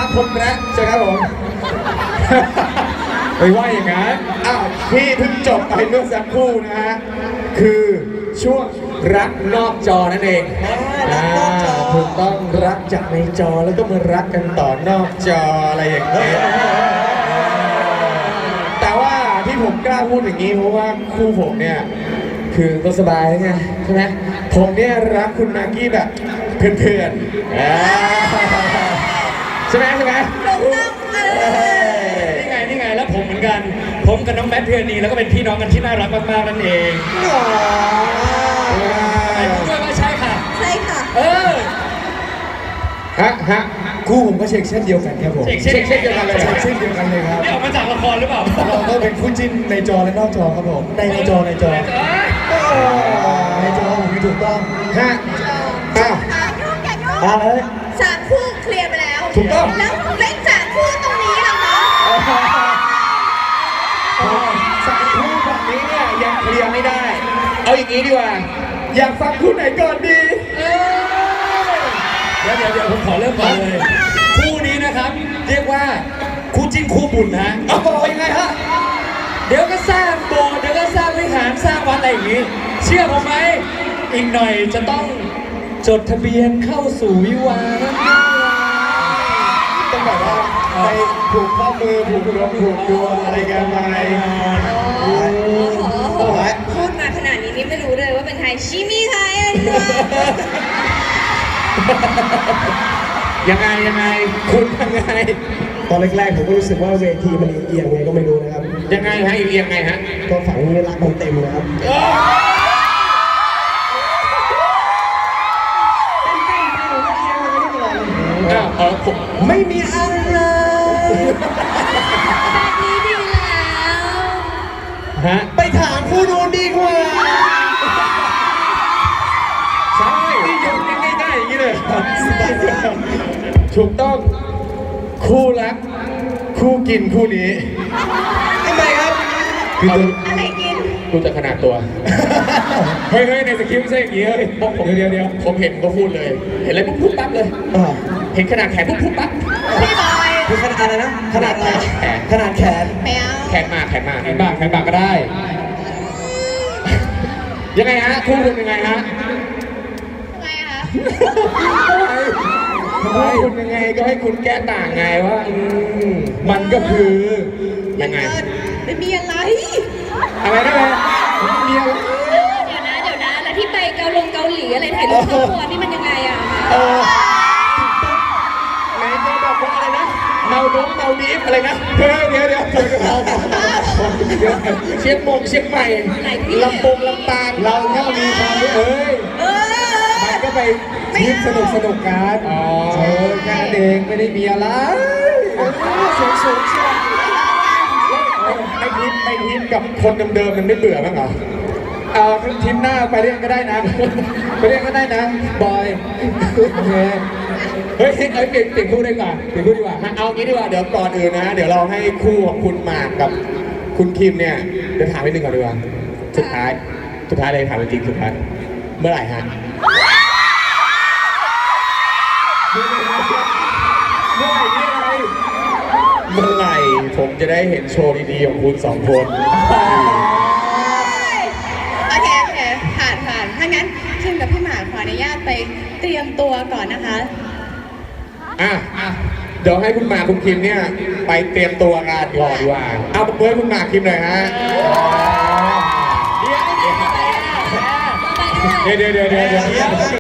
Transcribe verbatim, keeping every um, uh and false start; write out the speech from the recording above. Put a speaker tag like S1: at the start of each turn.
S1: คนรักใช่ครับผม
S2: ไม่ว่าอย่างนั้น
S1: อ้าวที่เพิ่งจบไปเมื่อสักครู่นะฮะคือช่วงรักนอกจอนั่นเอง
S3: รักนอกจอ
S1: ถูกต้องรักจากในจอแล้วก็มารักกันต่อนอกจออะไรอย่างเงี้ยแต่ว่าที่ผมกล้าพูดอย่างนี้เพราะว่าคู่ผมเนี่ยคือก็สบายไงใช่ไหมผมเนี่ยรักคุณมากกี้แบบเพื่อนๆอ่าใช่ไหมใช่ไหม
S2: นี่ไงนี่ไงแล้วผมเหมือนกันผมกับน้องแบทเพื่อนนีแล้วก็เป็นพี่น้องกันที่น่ารักมากๆนั่นเองไอ้พูดด้วยว่าใช่ค่ะ
S3: ใช่ค่ะ
S2: เออ
S1: ฮะฮะคู่ผมก็เช็คเช่นเดียวกันครับผม
S2: เช็คเช่น
S1: เช่นเดียวกันเลย
S3: เช็คเช่นเดียวกันเลยครับ
S2: นี่ออกมาจากละครหรือเปล่า
S3: เราก็เป็นคู่จิ้นในจอและนอกจอครับผมในในจอในจอในจอผมไม่ถูกต้อง
S1: ฮะอ้าว
S4: อ่ะโยกอย่าโยก
S3: มาเลย
S4: สามคู่เคลียร์ไปแล้ว
S1: ถูกต้อง
S4: แล้วเล่นสามคู่ตรงนี้ล่ะคะ
S1: สามคู่แบบนี้เนี่ยยังเคลียร์ไม่ได้ เอาอย่างนี้ดีกว่า อยากฟังคู่ไหนก่อนดี
S2: เดี๋ยวเดี๋ยวเดี๋ยวผมขอเริ่มก่อนเลย คู่นี้นะครับ เรียกว่าคู่จิ้นคู่บุญนะ
S1: เอาบอกยังไงฮะ
S2: เดี๋ยวก็สร้างโบสถ์เดี๋ยวก็สร้างวิหารสร้างวัดอะไรอย่างนี้ เชื่อผมไหมอีกหน่อยจะต้องจดทะเบียนเข้าสู่วิวาห์นั่นเอง
S1: ต้องแบบว่าไปผูกข้อมือผูกดวงผูกดวงอะไรกันไป
S4: โอ้โหพูดมาขนาดนี้นี่ไม่รู้เลยว่าเป็นใครชิมิไทยอันเนอะ
S1: ยังไงยังไงคุณยังไง
S3: ตอนแรกๆผมก็รู้สึกว่าเวทีมันเอียงๆไงก็ไม่รู้นะครับ
S1: ยังไงฮะอีกยังไงฮะ
S3: ก็ฝังนี้รักมันเต็มนะครับ
S1: อ้าวเออผม
S3: ไม่มีอะไร
S4: แบบนี้ดีแล้ว
S1: ฮะ
S3: ไปถามผู้ดูดีกว่า
S1: ใช่นี่ยกง่ายๆอย่างนี้เลยถูกต้องคู่รักคู่กินคู่นี้
S3: ทำไมครับ
S1: คือตัว
S4: อะไรกิน
S1: ดูจากขนาดตัว เฮ้ยเฮ้ยในสคริปต์ไม่ใช่อย่างนี้เฮ้ยผมเดี๋ยวเดี๋ยวผมเห็นก็พูดเลย เห็นอะไรปุ๊บปุ๊บปั๊บเลย
S3: อ่า
S1: เห็นขนาดแขนปุ๊บปุ๊บปั๊บ
S4: พี่บอย
S3: คือขนาดอะไรนะ ขนาดอะไร
S1: แขน
S3: ขนาดแขน
S4: ไม่เอา
S1: แขนมาแขนมา
S2: แขนบากแขนบากก็ได้
S1: ยังไงฮะคู่คุณยังไงฮะ
S4: ทำไมอะคะ
S1: คู่คุณยังไงก็ให้คุณแก้ต่างไงว่าอืมมันก็คือยังไง
S4: ไม่มีอะไร
S1: อะไรนะแม่เมีย
S4: เดี๋ยวนะเดี๋ยวนะแล้วที่ไปเกาลงเกาหลีอะไรถ่ายรูปครอบครัวนี่มันยังไงอะ
S1: เออไหนจะบอกว่าอะไรนะเมาดงเมาดีฟอะไรนะเฮ้ยเดี๋ยวเดี๋ยวเดี๋ยวเดี๋ยวเชียงมงเชียงใหม่ลำปงลำปางเราถ้ามีความรู้เอ้ย
S4: เออ
S1: มันก็ไปยิ้มสนุกสนุกกันอ๋อเออแค่เด็กไม่ได้มีอะไรสูงสูงเชียวไอ้ทิปไอ้ทิปกับคนเดิมๆมันไม่เบื่อมั้งเหรอเออทิปหน้าไปเรียกก็ได้นะไปเรียกก็ได้นะบอยโอเคเฮ้ยเฮ้ยเปลี่ยนเปลี่ยนคู่ดีกว่าเปลี่ยนคู่ดีกว่าเอางี้ดีกว่าเดี๋ยวก่อนอื่นนะ เดี๋ยวเราให้คู่ของคุณหมากกับคุณคิมเนี่ยเดี๋ยวถามไปหนึ่งก่อนดีกว่าสุดท้ายสุดท้ายเลยถามจริงๆสุดท้ายเมื่อไหร่ฮะ เมื่อไหร่นี่อะไรเมื่อไหร่ผมจะได้เห็นโชว์ดีๆของคุณสองคน
S4: โอเคโอเคผ่านผ่านถ้างั้นคิมกับพี่หมากขออนุญาตไปเตรียมตัวก่อนนะคะ
S1: อ่ะอ่ะเดี๋ยวให้คุณหมากคุณคิมเนี่ยไปเตรียมตัวงานก่อนดีกว่า เอาเพื่อนคุณหมากคิมหน่อยฮะ เดี๋ยวเดี๋ยวเดี๋ยวเดี๋ยว